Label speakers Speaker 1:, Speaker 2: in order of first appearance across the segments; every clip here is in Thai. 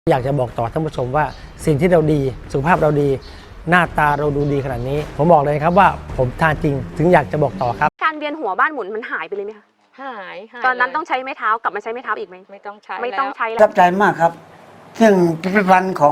Speaker 1: อยากจะบอกต่อท่านผู้ชมว่าสิ่งที่เราดีสุขภาพเราดีหน้าตาเราดูดีขนาดนี้ผมบอกเลยครับว่าผมทานจริงถึงอยากจะบอกต่อครับ
Speaker 2: การเวียนหัวบ้านหมุนมันหายไปเลยไหมคะ
Speaker 3: หาย
Speaker 2: ตอนนั้นต้องใช้ไม้เท้ากลับมาใช้ไม้เท้าอีกไหม
Speaker 3: ไม่ต้องใช้
Speaker 2: ไม่ต้องใช้
Speaker 4: ป
Speaker 2: แล้ว
Speaker 4: ระทับใจมากครับซึ่งผลิตภัณฑ์ของ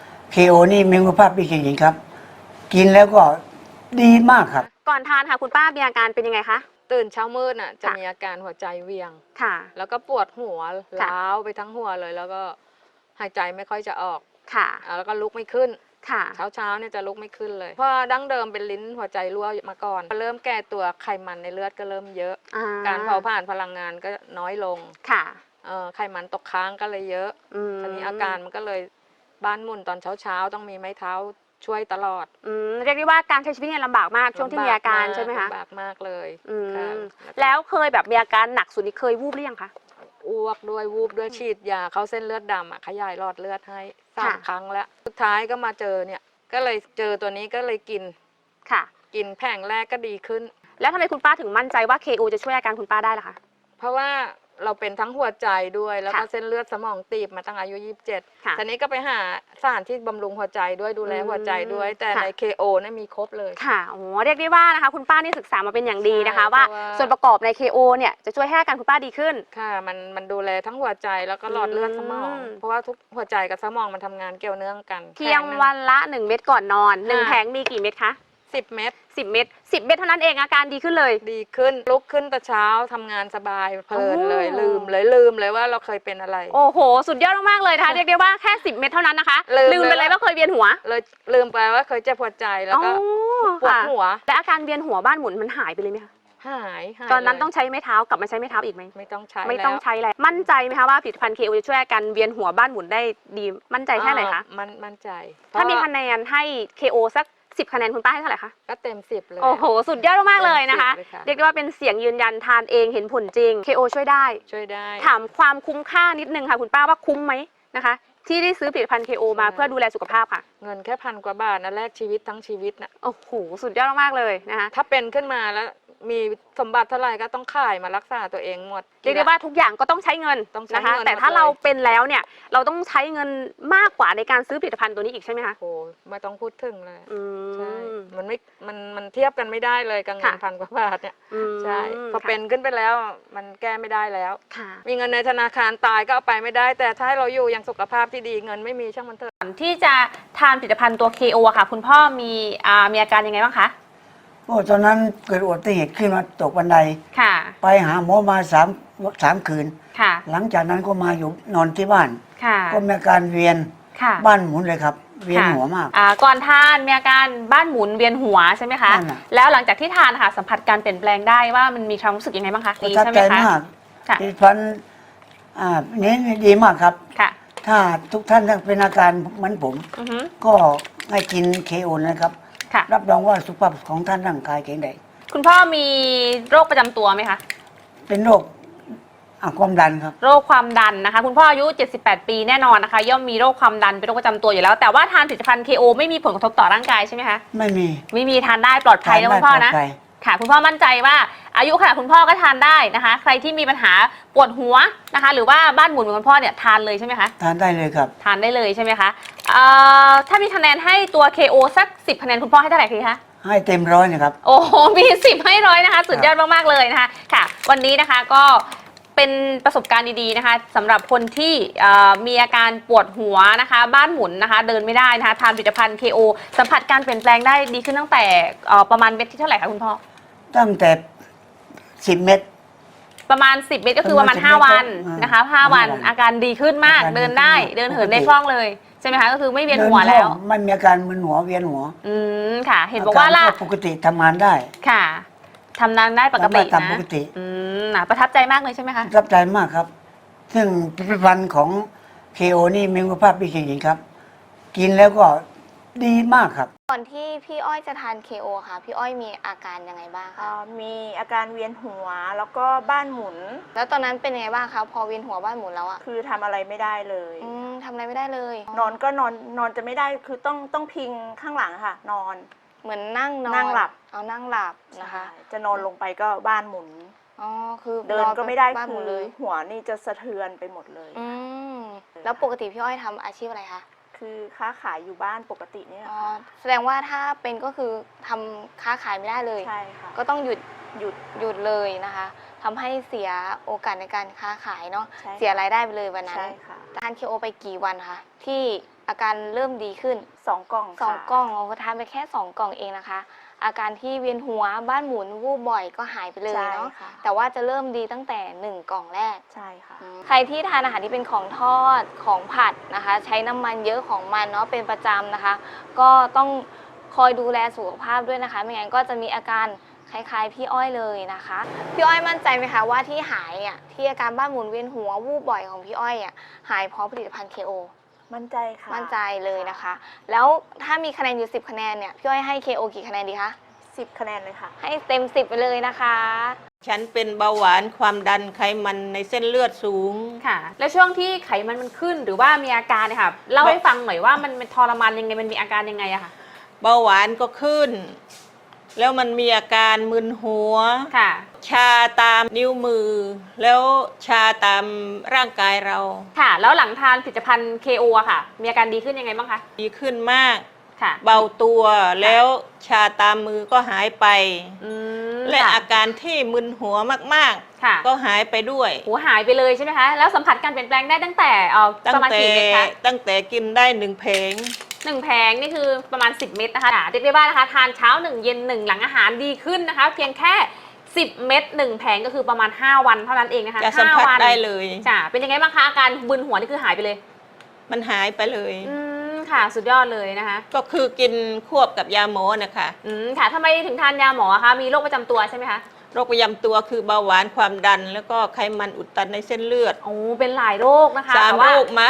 Speaker 4: KO นี่มีคุณภาพดีจริงๆครับกินแล้วก็ดีมากครับ
Speaker 2: ก่อนทานค่ะคุณป้ามีอาการเป็นยังไงคะ
Speaker 3: ตื่นเช้ามืดจะ
Speaker 2: ค่ะ
Speaker 3: มีอาการหัวใจเวียง
Speaker 2: ค่ะ
Speaker 3: แล้วก็ปวดหัว
Speaker 2: ค่ะ
Speaker 3: ล้าวไปทั้งหัวเลย แล้วก็หายใจไม่ค่อยจะออก
Speaker 2: ค่ะ
Speaker 3: แล้วก็ลุกไม่ขึ้น
Speaker 2: ค่ะ
Speaker 3: เช้าเนี่ยจะลุกไม่ขึ้นเลยเพราะดั้งเดิมเป็นลิ้นหัวใจรั่วมาก่อนเริ่มแก่ตัวไขมันในเลือดก็เริ่มเยอะ การเผาผลาญพลังงานก็น้อยลง
Speaker 2: ค่ะ
Speaker 3: ไขมันตกค้างก็เลยเยอะทีนี้อาการมันก็เลยบ้านหมุนตอนเช้าต้องมีไม้เท้าช่วยตลอด
Speaker 2: เรียกได้ว่าการใช้ชีวิตเนี่ยลำบากมากช่วงที่มีอาการใช่ไหมคะ
Speaker 3: ลำบากมากเลย
Speaker 2: แล้วเคยแบบมีอาการหนักสุดนี่เคยวูบหรือยังคะ
Speaker 3: อ้วกด้วยวูบด้วยฉีดยาเข้าเส้นเลือดดำขยายหลอดเลือดให้3 ครั้งแล้วสุดท้ายก็มาเจอเนี่ยก็เลยเจอตัวนี้ก็เลยกิน
Speaker 2: ค่ะ
Speaker 3: กินแผงแรกก็ดีขึ้น
Speaker 2: แล้วทำไมคุณป้าถึงมั่นใจว่า KO จะช่วยอาการคุณป้าได้ล่ะคะ
Speaker 3: เพราะว่าเราเป็นทั้งหัวใจด้วยแล้วก็เส้นเลือดสมองตีบมาตั้งอายุ27ทีนี้ก็ไปหาสารที่บำรุงหัวใจด้วยดูแลหัวใจด้วยแต่ใน KO เนี่ยมีครบเลย
Speaker 2: ค่ะโอ้เรียกได้ว่านะคะคุณป้านี่ศึกษามาเป็นอย่างดีนะคะว่าส่วนประกอบใน KO เนี่ยจะช่วยให้อาการคุณป้าดีขึ้น
Speaker 3: ค่ะมันดูแลทั้งหัวใจแล้วก็หลอดเลือดสมองเพราะว่าทุกหัวใจกับสมองมันทำงานเกี่ยวเนื่องกัน
Speaker 2: เพียงวันละ1 เม็ดก่อนนอน1 แผงมีกี่เม็ดคะ
Speaker 3: 10 เม็ด
Speaker 2: 10 เม็ด10 เม็ดเท่านั้นเองอาการดีขึ้นเลย
Speaker 3: ดีขึ้นลุกขึ้นแต่เช้าทำงานสบายเพลินเลยลืมเลยว่าเราเคยเป็นอะไร
Speaker 2: โอ้โหสุดยอดมากๆเลยนะคะเรียกได้ว่าแค่10 เม็ดเท่านั้นนะคะลืมไปเลยว่าเคยเวียนหัว
Speaker 3: เลยลืมไปว่าเคยเจ็บหัวใจแล้วก็ปวดหัว
Speaker 2: และอาการเวียนหัวบ้านหมุนมันหายไปเลยไหมคะ
Speaker 3: หาย
Speaker 2: ตอนนั้นต้องใช้ไม้เท้ากลับมาใช้ไม้เท้าอีกไหม
Speaker 3: ไม่ต้องใช้
Speaker 2: แล้วมั่นใจไหมคะว่าผลิตภัณฑ์ KO จะช่วยอาการเวียนหัวบ้านหมุนได้ดีมั่นใจแค่ไหนคะ
Speaker 3: มั่นใจ
Speaker 2: ถ้ามีคะแนนให้ KO สัก10 คะแนนคุณป้าให้เท่าไหร่คะ
Speaker 3: ก็เต็ม10เลย
Speaker 2: โอ้โหสุดยอดมากเลยนะคะเรียกได้ว่าเป็นเสียงยืนยันทานเองเห็นผลจริง KO ช่วยได้ถามความคุ้มค่านิดนึงค่ะคุณป้าว่าคุ้มไหมนะคะที่ได้ซื้อผลิตภัณฑ์ KO มาเพื่อดูแลสุขภาพค่ะ
Speaker 3: เงินแค่1,000 กว่าบาทนะแลกชีวิตทั้งชีวิตนะ
Speaker 2: โอ้โหสุดยอดมากเลยนะคะ
Speaker 3: ถ้าเป็นขึ้นมาแล้วมีสมบัติเท่าไหร่ก็ต้องขายมารักษาตัวเองหมด
Speaker 2: เรียกได้ว่าทุกอย่างก็ต้องใช้เงินนะคะแต่ถ้าเราเป็นแล้วเนี่ยเราต้องใช้เงินมากกว่าในการซื้อผลิตภัณฑ์ตัวนี้อีกใช่ไหมคะ
Speaker 3: โอ้ไม่ต้องพูดถึงเลยใช่มันเทียบกันไม่ได้เลยกับเงิน1,000 กว่าบาทเนี่ยใช่พอเป็นขึ้นไปแล้วมันแก้ไม่ได้แล้วมีเงินในธนาคารตายก็เอาไปไม่ได้แต่ถ้าให้เราอยู่อย่างสุขภาพที่ดีเงินไม่มีช่างมันเถอะ
Speaker 2: ที่จะทานผลิตภัณฑ์ตัว KO อะค่ะคุณพ่อมีอาการยังไงบ้างคะ
Speaker 4: โอ้ตอนนั้นเกิดอุบัติเหตุขึ้นมาตกบันไดไปหาหมอมา3 คืนหลังจากนั้นก็มาอยู่นอนที่บ้านก็มีอาการเวียนบ้านหมุนเลยครับเวียนหัวมาก
Speaker 2: ก่อนทานมีอาการบ้านหมุนเวียนหัวใช่ไหมคะแล้วหลังจากที่ทานค่ะสัมผัสการเปลี่ยนแปลงได้ว่ามันมีความรู้สึกยังไงบ้างคะ
Speaker 4: ประทับใจมากผลิตภัณฑ์นี้ดีมากครับถ้าทุกท่านเป็นอาการเหมือนผมก็ให้กิน KO นะครับรับรองว่าสุขภาพของท่านร่างกายแข็งแรง
Speaker 2: คุณพ่อมีโรคประจำตัวไหมคะ
Speaker 4: เป็นโรคความดันครับ
Speaker 2: โรคความดันนะคะคุณพ่ออายุ78 ปีแน่นอนนะคะย่อมมีโรคความดันเป็นโรคประจำตัวอยู่แล้วแต่ว่าทานผลิตภัณฑ์ KO ไม่มีผลกระทบต่อร่างกายใช่ไหมคะไม่มีทานได้ปลอดภัยนะคุณพ่อนะค่ะคุณพ่อมั่นใจว่าอายุขนาดคุณพ่อก็ทานได้นะคะใครที่มีปัญหาปวดหัวนะคะหรือว่าบ้านหมุนเหมือนคุณพ่อเนี่ยทานเลยใช่ไหมคะ
Speaker 4: ทานได้เลยครับ
Speaker 2: ทานได้เลยใช่ไหมคะถ้ามีคะแนนให้ตัว KO สัก10 คะแนนคุณพ่อให้เท่าไหร่คะ
Speaker 4: ให้เต็ม100นะครับ
Speaker 2: โอ้โหมี10ให้100นะคะสุดยอดมากๆเลยนะคะค่ะวันนี้นะคะก็เป็นประสบการณ์ดีๆนะคะสำหรับคนที่มีอาการปวดหัวนะคะบ้านหมุนนะคะเดินไม่ได้นะคะทานผลิตภัณฑ์ KO สัมผัสการเปลี่ยนแปลงได้ดีขึ้นตั้งแต่ประมาณเม็ดที่เท่าไหร่คะคุณพ่อ
Speaker 4: ตั้งแต่10 เม็ด
Speaker 2: ประมาณ10 เม็ดก็คือประมาณ5 วันนะคะ5 วันอาการดีขึ้นมากเดินได้เดินเหินได้คล่องเลยใช่ไหมคะก็คือไม่เวียนหัวแล้ว
Speaker 4: ไม่มีอาการมึนหัวเวียนหัว
Speaker 2: ค่ะเห็นบอกว่า
Speaker 4: ปกติทำงานได้
Speaker 2: ค่ะทำงานได้ปกตินะ
Speaker 4: ปกติ
Speaker 2: ประทับใจมากเลยใช่ไหมคะ
Speaker 4: ประทับใจมากครับซึ่งผลิตภัณฑ์ของ KO นี่มีคุณภาพดีจริงๆครับกินแล้วก็ดีมากครับ
Speaker 5: ก่อนที่พี่อ้อยจะทาน KO ค่ะพี่อ้อยมีอาการยังไงบ้างคะ
Speaker 6: มีอาการเวียนหัวแล้วก็บ้านหมุน
Speaker 5: แล้วตอนนั้นเป็นยังไงบ้างคะพอเวียนหัวบ้านหมุนแล้วอะ
Speaker 6: คือทำอะไรไม่ได้เลย
Speaker 5: ทำอะไรไม่ได้เลย
Speaker 6: นอนก็นอนจะไม่ได้คือต้องพิงข้างหลังค่ะนอน
Speaker 5: เหมือนนั่ง
Speaker 6: หลับ
Speaker 5: นั่งหลับนะคะ
Speaker 6: จะนอนลงไปก็บ้านหมุน
Speaker 5: คือ
Speaker 6: เดินก็ไม่ได้คือหัวนี่จะสะเทือนไปหมดเลย
Speaker 5: แล้วปกติพี่อ้อยทำอาชีพอะไรคะ
Speaker 6: คือค้าขายอยู่บ้านปกติเนี่ย
Speaker 5: อ๋อ
Speaker 6: ค่ะ
Speaker 5: แสดงว่าถ้าเป็นก็คือทำค้าขายไม่ได้เลย
Speaker 6: ใช่ค่ะ
Speaker 5: ก็ต้องหยุด
Speaker 6: หยุด
Speaker 5: หยุดเลยนะคะทำให้เสียโอกาสในการค้าขายเนาะ
Speaker 6: ใช่ค่ะ
Speaker 5: เสียรายได้ไปเลยวันนั้น
Speaker 6: ใช่ค่ะ
Speaker 5: ทาน KO ไปกี่วันคะที่อาการเริ่มดีขึ้น
Speaker 6: 2 กล่อง
Speaker 5: สอง
Speaker 6: ค่ะ
Speaker 5: กล่องเราทานไปแค่2 กล่องเองนะคะ อาการที่เวียนหัวบ้านหมุนวูบบ่อยก็หายไปเลย
Speaker 6: ใช่
Speaker 5: เนาะ
Speaker 6: ค่ะ
Speaker 5: แต่ว่าจะเริ่มดีตั้งแต่1 กล่องแรก
Speaker 6: ใช่ค่ะ
Speaker 5: ใครที่ทานอาหารที่เป็นของทอดของผัดนะคะ ใช้น้ำมันเยอะของมันเนาะเป็นประจำนะคะ ก็ต้องคอยดูแลสุขภาพด้วยนะคะ ไม่งั้นก็จะมีอาการคล้ายๆพี่อ้อยเลยนะคะพี่อ้อยมั่นใจไหมคะว่าที่หายอ่ะที่อาการบ้านหมุนเวียนหัววูบบ่อยของพี่อ้อยอ่ะหายเพราะผลิตภัณฑ์ KO
Speaker 6: มั่นใจค่ะ
Speaker 5: มั่นใจเลยนะคะ แล้วถ้ามีคะแนนอยู่10 คะแนนเนี่ยพี่อ้อยให้ KO กี่คะแนนดีคะ
Speaker 6: 10 คะแนนเลยค่ะ
Speaker 5: ให้เต็ม10ไปเลยนะคะ
Speaker 7: ฉันเป็นเบาหวานความดันไขมันในเส้นเลือดสูง
Speaker 2: ค่ะ แล้วช่วงที่ไขมันขึ้นหรือว่ามีอาการเนี่ยค่ะเล่าให้ฟังหน่อยว่ามันทรมานยังไงมันมีอาการยังไงอะค่ะ
Speaker 7: เบาหวานก็ขึ้น แล้วมันมีอาการมึนหัว
Speaker 2: ค่ะ
Speaker 7: ชาตามนิ้วมือ แล้วชาตามร่างกายเรา
Speaker 2: ค่ะ แล้วหลังทานผลิตภัณฑ์ KO อะค่ะ มีอาการดีขึ้นยังไงบ้างคะ
Speaker 7: ดีขึ้นมาก
Speaker 2: ค่ะ
Speaker 7: เบาตัวแล้วชาตามมือก็หายไป
Speaker 2: อืม
Speaker 7: และ
Speaker 2: ค่ะ
Speaker 7: อาการที่มึนหัวมาก
Speaker 2: ค่ะ
Speaker 7: ๆ ก็หายไปด้วย
Speaker 2: หัวหายไปเลยใช่ไหมคะ แล้วสัมผัสการเปลี่ยนแปลงได้ตั้งแต่
Speaker 7: ตั้ง
Speaker 2: ประมาณ
Speaker 7: แต่
Speaker 2: กี่เม็ดคะ
Speaker 7: ตั้งแต่กินได้1 เพลง
Speaker 2: 1 แผงนี่คือประมาณ 10 เม็ดนะคะเรียกได้ว่านะคะทานเช้า 1 เย็น 1 หลังอาหารดีขึ้นนะคะ เพียงแค่ 10 เม็ด1 แผงก็คือประมาณ 5 วันเท่านั้นเองนะคะ
Speaker 7: จะสัมผัส
Speaker 2: 5 วัน
Speaker 7: ได้เลย
Speaker 2: จ้ะเป็นยังไงบ้างคะอาการบึนหัวนี่คือหายไปเลย
Speaker 7: มันหายไปเลย
Speaker 2: ค่ะ สุดยอดเลยนะคะ
Speaker 7: ก็คือกินควบกับยาหมอนะคะ
Speaker 2: ค่ะทำไมถึงทานยาหมอคะมีโรคประจำตัวใช่ไหมคะ
Speaker 7: โรคประจำตัวคือเบาหวานความดัน แล้วก็ไขมันอุดตันในเส้นเลือด
Speaker 2: โอ้เป็นหลายโรคนะคะ
Speaker 7: 3
Speaker 2: แต่ว่า
Speaker 7: โรคมา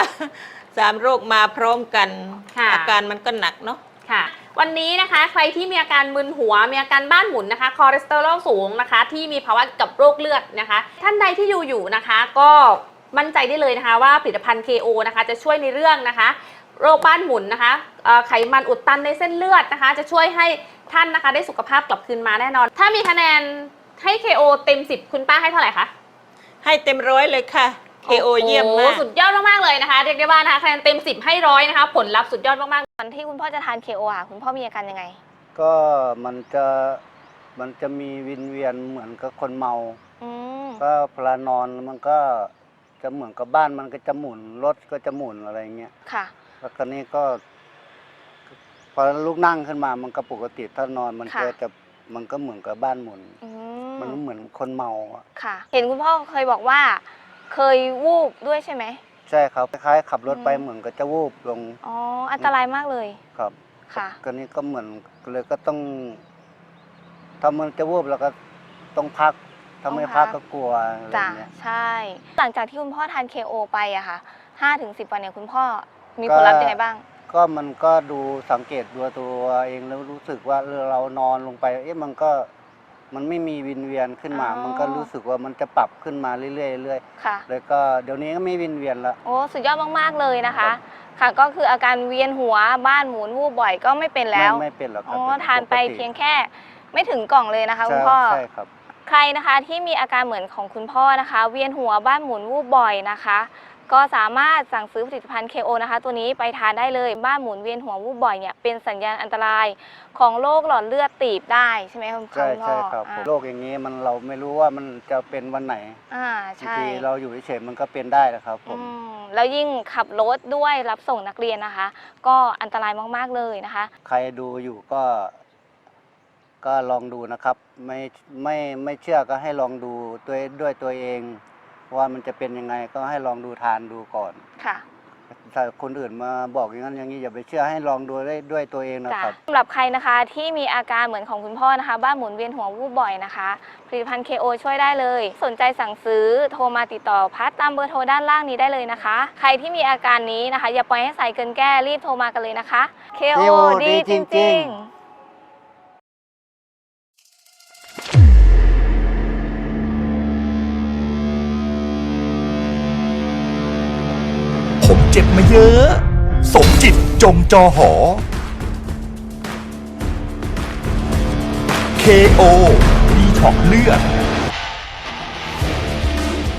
Speaker 7: 3 โรคมาพร้อมกัน
Speaker 2: ค่ะ
Speaker 7: อาการมันก็หนักเนาะ
Speaker 2: ค่ะ วันนี้นะคะใครที่มีอาการมึนหัวมีอาการบ้านหมุนนะคะคอเลสเตอรอลสูงนะคะ ที่มีภาวะกับโรคเลือดนะคะ ท่านใดที่อยู่นะคะ ก็มั่นใจได้เลยนะคะว่าผลิตภัณฑ์ KO นะคะจะช่วยในเรื่องนะคะ โรคบ้านหมุนนะคะไขมันอุดตันในเส้นเลือดนะคะ จะช่วยให้ท่านนะคะได้สุขภาพกลับคืนมาแน่นอน ถ้ามีคะแนนให้ KO เต็ม 10 คุณป้าให้เท่าไหร่คะ
Speaker 7: ให้เต็ม100เลยค่ะ KO เยี่ยมมาก
Speaker 2: สุดยอดมากๆเลยนะคะเรียกได้ว่านะคะคะแนนเต็ม 10 ให้100นะคะผลลัพธ์สุดยอดมากๆ
Speaker 5: ตอนที่คุณพ่อจะทาน KO อ่ะคุณพ่อมีอาการยังไง
Speaker 8: ก็มันจะมีวินเวียนเหมือนกับคนเมา
Speaker 5: อืม
Speaker 8: ก็เวลานอนมันก็จะเหมือนกับบ้านมันก็จะหมุนรถก็จะหมุนอะไรเงี้ย
Speaker 5: ค่ะ
Speaker 8: แล้วคราวนี้ก็พอลุกนั่งขึ้นมามันก็ปกติถ้านอนมัน
Speaker 5: ค่ะ
Speaker 8: ก็จะมันก็เหมือนกับบ้านหมุน
Speaker 5: อื
Speaker 8: มันเหมือนคนเมาอะ
Speaker 5: ค่ะ เห็นคุณพ่อเคยบอกว่า เคยวูบด้วยใช่ไหม
Speaker 8: ใช่ครับคล้ายๆขับรถไป
Speaker 5: อืม
Speaker 8: เหมือนกับจะวูบลง
Speaker 5: อ๋ออันตรายมากเลย
Speaker 8: ครับ
Speaker 5: ค่ะ
Speaker 8: ก็นี้ก็เหมือนเลยก็ต้องถ้ามันจะวูบเราก็ต้องพักถ้าไม่พักก็กลัวอะไร
Speaker 5: จ้ะ
Speaker 8: เงี้ย
Speaker 5: ใช่ หลังจากที่คุณพ่อทาน KO ไปอะค่ะ5-10 วันเนี่ยคุณพ่อมีผลลัพธ์ยังไงบ้าง
Speaker 8: ก็มันก็ดูสังเกตดูตัวเองแล้วรู้สึกว่าเรานอนลงไปมันไม่มีวินเวียนขึ้นมา
Speaker 5: อ๋อ
Speaker 8: มันก็รู้สึกว่ามันจะปรับขึ้นมาเรื่อยๆเรื่อย
Speaker 5: ค่ะ
Speaker 8: ๆเลยก็เดี๋ยวนี้ก็ไม่วินเวียนละ
Speaker 5: โอ้สุดยอดมากๆเลยนะคะ ค่ะก็คืออาการเวียนหัวบ้านหมุนวูบบ่อยก็ไม่เป็นแล้ว
Speaker 8: ไม่เป็นหรอกครั
Speaker 5: อ๋
Speaker 8: บ
Speaker 5: อทานไป
Speaker 8: ปกติ
Speaker 5: เพียงแค่ไม่ถึงกล่องเลยนะคะคุณ
Speaker 8: ใช่
Speaker 5: พ่อ
Speaker 8: ใช่ครับ
Speaker 5: ใครนะคะที่มีอาการเหมือนของคุณพ่อนะคะ เวียนหัวบ้านหมุนวูบบ่อยนะคะ ก็สามารถสั่งซื้อผลิตภัณฑ์ KO นะคะ ตัวนี้ไปทานได้เลยบ้านหมุนเวียนหัววูบบ่อยเนี่ยเป็นสัญญาณอันตรายของโรคหลอดเลือดตีบได้ใช่ไหมคุณพ่อ
Speaker 8: ใช่ใช่ครับโรคอย่างนี้มันเราไม่รู้ว่ามันจะเป็นวันไหน
Speaker 5: อ่า
Speaker 8: บาง
Speaker 5: ใช่
Speaker 8: ทีเราอยู่เฉยๆมันก็เป็นได้นะครับผม
Speaker 5: แล้วยิ่งขับรถด้วยรับส่งนักเรียนนะคะ ก็อันตรายมากๆเลยนะคะ
Speaker 8: ใครดูอยู่ก็ลองดูนะครับ ไม่เชื่อก็ให้ลองดูด้วยตัวเอง ว่ามันจะเป็นยังไงก็ให้ลองดูทานดูก่อน
Speaker 5: ค่ะ
Speaker 8: ถ้าคนอื่นมาบอกอย่างนั้นอย่างนี้อย่าไปเชื่อให้ลองดูได้ด้วยตัวเองนะ
Speaker 5: จ้ะ
Speaker 8: ครับ
Speaker 5: สำหรับใครนะคะที่มีอาการเหมือนของคุณพ่อนะคะ บ้านหมุนเวียนหัววูบบ่อยนะคะผลิตภัณฑ์ KO ช่วยได้เลย สนใจสั่งซื้อโทรมาติดต่อพัดตามเบอร์โทรด้านล่างนี้ได้เลยนะคะ ใครที่มีอาการนี้นะคะ อย่าปล่อยให้ใส่เกินแก้รีบโทรมากันเลยนะคะ KO ดีจริงๆ
Speaker 9: ผมเจ็บมาเยอะ สมจิตจงจอหอ KO ดีท็อกเลือด
Speaker 1: ส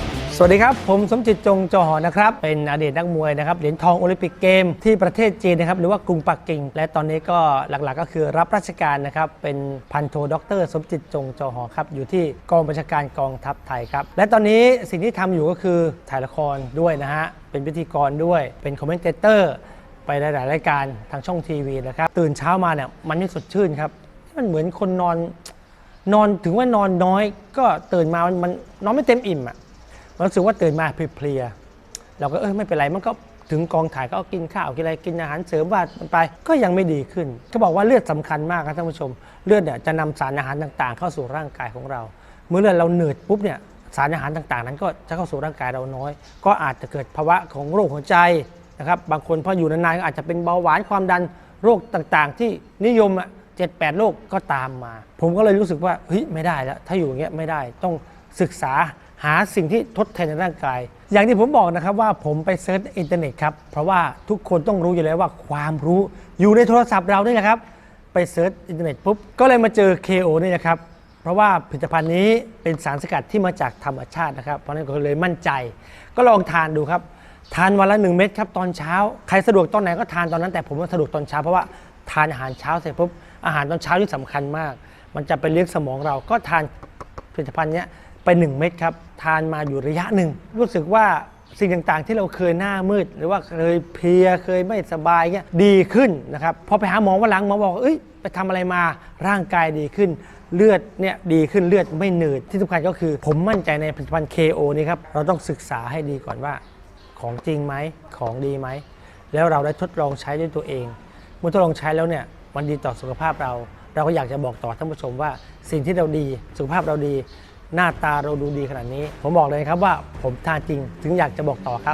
Speaker 1: วัสดีครับผมสมจิตจงจอหอนะครับเป็นอดีตนักมวยนะครับเหรียญทองโอลิมปิกเกมที่ประเทศจีนนะครับหรือว่ากรุงปักกิ่งและตอนนี้ก็หลักๆก็คือรับราชการนะครับเป็นพันโทดร.สมจิตจงจอหอครับอยู่ที่กองบัญชาการกองทัพไทยครับและตอนนี้สิ่งที่ทำอยู่ก็คือถ่ายละครด้วยนะฮะเป็นพิธีกรด้วยเป็นคอมเมนเตเตอร์ไปหลายๆรายการทางช่องทีวีนะครับตื่นเช้ามาเนี่ยมันไม่สดชื่นครับมันเหมือนคนนอนถึงว่านอนน้อยก็ตื่นมามันนอนไม่เต็มอิ่มอ่ะรู้สึกว่าตื่นมาเพลียๆเราก็ไม่เป็นไรมันก็ถึงกองถ่ายก็กินข้าวกินอะไรกินอาหารเสริมว่ามันไปก็ยังไม่ดีขึ้นเขาบอกว่าเลือดสำคัญมากครับท่านผู้ชมเลือดเนี่ยจะนำสารอาหารต่างๆเข้าสู่ร่างกายของเราเมื่อเลือดเราเหนืดปุ๊บเนี่ยสารอาหารต่างๆนั้นก็จะเข้าสู่ร่างกายเราน้อยก็อาจจะเกิดภาวะของโรคหัวใจนะครับบางคนพออยู่นานๆก็อาจจะเป็นเบาหวานความดันโรคต่างๆที่นิยม7-8 โรคก็ตามมาผมก็เลยรู้สึกว่าเฮ้ยไม่ได้แล้วถ้าอยู่อย่างเงี้ยไม่ได้ต้องศึกษาหาสิ่งที่ทดแทนในร่างกายอย่างที่ผมบอกนะครับว่าผมไปเซิร์ชอินเทอร์เน็ตครับเพราะว่าทุกคนต้องรู้อยู่แล้วว่าความรู้อยู่ในโทรศัพท์เรานี่แหละครับไปเซิร์ชอินเทอร์เน็ตปุ๊บก็เลยมาเจอ KO นี่นะครับเพราะว่าผลิตภัณฑ์นี้เป็นสารสกัดที่มาจากธรรมชาตินะครับเพราะนั้นก็เลยมั่นใจก็ลองทานดูครับทานวันละ1 เม็ดครับตอนเช้าใครสะดวกตอนไหนก็ทานตอนนั้นแต่ผมสะดวกตอนเช้าเพราะว่าทานอาหารเช้าเสร็จปุ๊บอาหารตอนเช้าที่สำคัญมากมันจะไปเลี้ยงสมองเราก็ทานผลิตภัณฑ์นี้ไป1 เม็ดครับทานมาอยู่ระยะหนึ่งรู้สึกว่าสิ่งต่างๆที่เราเคยหน้ามืดหรือว่าเคยเพลียเคยไม่สบายเงี้ยดีขึ้นนะครับพอไปหาหมอวันหลังหมอบอกไปทำอะไรมาร่างกายดีขึ้นเลือดเนี่ยดีขึ้นเลือดไม่หนืดที่สำคัญก็คือผมมั่นใจในผลิตภัณฑ์ KO นี้ครับเราต้องศึกษาให้ดีก่อนว่าของจริงไหมของดีไหมแล้วเราได้ทดลองใช้ด้วยตัวเองเมื่อทดลองใช้แล้วเนี่ยมันดีต่อสุขภาพเราก็อยากจะบอกต่อท่านผู้ชมว่าสิ่งที่เราดีสุขภาพเราดีหน้าตาเราดูดีขนาดนี้ผมบอกเลยครับว่าผมทานจริงถึงอยากจะบอกต่อครับ